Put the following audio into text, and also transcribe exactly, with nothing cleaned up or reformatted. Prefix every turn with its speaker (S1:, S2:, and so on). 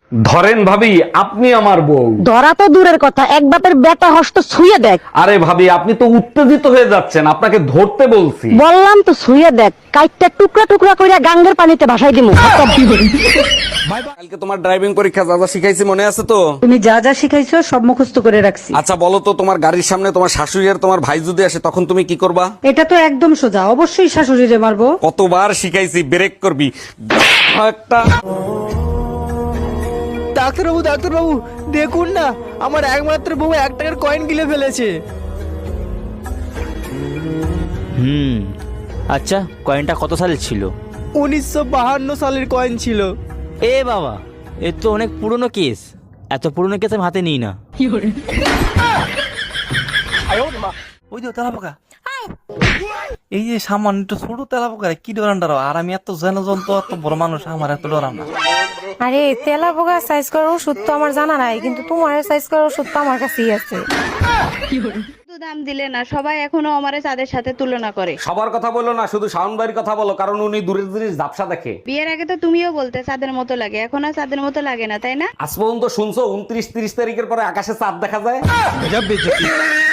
S1: ধরেন ভাবি, আপনি আমার বউ।
S2: ধরা তো দূরের কথা, এক বাপের বেটা হস্ত ছুঁয়ে দেখ।
S1: আরে ভাবি, আপনি তো উত্তেজিত হয়ে যাচ্ছেন, আপনাকে ধরতে বলছি।
S2: বললাম তো ছুঁয়ে দেখ, কাইটটা টুকরা টুকরা কইরা গাঙ্গের পানিতে ভাসাই দিমু।
S1: কালকে তোমার ড্রাইভিং পরীক্ষা যা যা শিখাইছি মনে আছে তো?
S2: তুমি যা যা শিখাইছো সব মুখস্থ করে রাখছি।
S1: আচ্ছা বলো তো, তোমার গাড়ির সামনে তোমার শাশুড়ি আর তোমার ভাই যদি আসে তখন তুমি কি করবা?
S2: এটা তো একদম সোজা, অবশ্যই শাশুড়িরে মারবো।
S1: কতবার শিখাইছি, ব্রেক করবি একটা।
S3: ডাক্তারবাবু ডাক্তারবাবু দেখুন না, আমার একমাত্র বউ এক টাকার কয়েন গিলে ফেলেছে।
S4: হুম, আচ্ছা কয়েনটা কত সালের ছিল?
S3: উনিশশো বাহান্ন সালের কয়েন ছিল।
S4: এ বাবা, এ তো অনেক পুরনো কেস। এত পুরনো কেস আমি হাতে নিই না।
S5: ওই যে তেলাপোকা, এই যে সামান্য একটু ছোট তেলাপোকা কি ডরান ডরাও, আর আমি এত যেন জন্তু এত বড় মানুষ, আমার এত ডরান না।
S6: আরে তেলা পোকা সাইজ করার ওষুধ তো আমার জানা নাই, কিন্তু তোমার সাইজ করার ওষুধ তো আমার কাছেই আছে।
S7: দাম দিলে না, সবাই এখনো আমারে তাদের সাথে তুলনা করে।
S1: সবার কথা বলো না, শুধু শাওন ভাইয়ের কথা বলো, কারণ উনি দূরের জিনিস ঝাপসা দেখে।
S7: বিয়ের আগে তো তুমিও বলতে চাঁদের মতো লাগে, এখন আর চাঁদের মতো লাগে না, তাই না?
S1: আজ পর্যন্ত শুনছো উনত্রিশ তিরিশ তারিখের পরে আকাশে চাঁদ দেখা যায়?